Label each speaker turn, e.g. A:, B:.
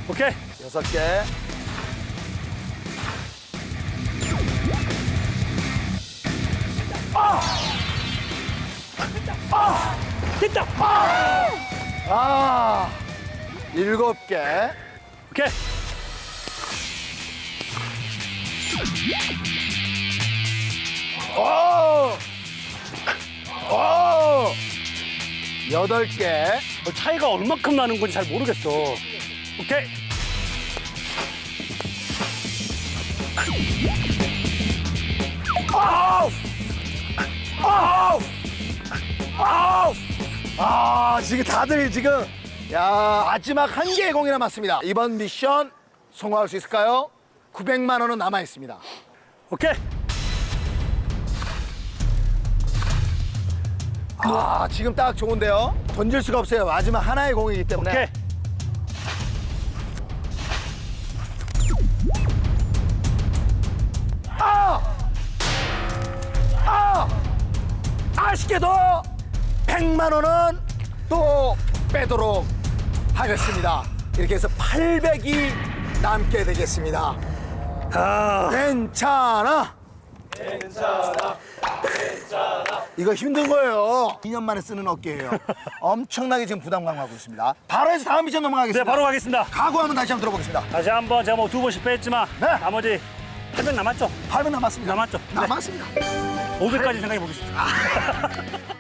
A: 오케이.
B: 6개.
A: 됐다.
B: 아, 7개.
A: 오케이.
B: 오! 오! 8개.
A: 차이가 얼마큼 나는 건지 잘 모르겠어. 오케이.
B: 아우! 아우! 아우! 아, 지금 다들 지금 야, 마지막 1개의 공이 남았습니다. 이번 미션 성공할 수 있을까요? 900만 원은 남아 있습니다.
A: 오케이.
B: 아, 지금 딱 좋은데요. 던질 수가 없어요. 마지막 하나의 공이기 때문에.
A: 오케이.
B: 아쉽게도 100만 원은 또 빼도록 하겠습니다. 이렇게 해서 800이 남게 되겠습니다. 괜찮아. 이거 힘든 거예요. 2년 만에 쓰는 어깨예요. 엄청나게 지금 부담감 갖고 있습니다. 바로 해서 다음 미션
A: 네,
B: 넘어가겠습니다.
A: 바로 가겠습니다.
B: 각오하면 다시 한번 들어보겠습니다.
A: 다시 한번 제가 뭐 2번 실패했지만
B: 네.
A: 나머지 800 남았죠?
B: 8분 남았습니다.
A: 남았죠?
B: 남았습니다.
A: 500까지 생각해 보겠습니다.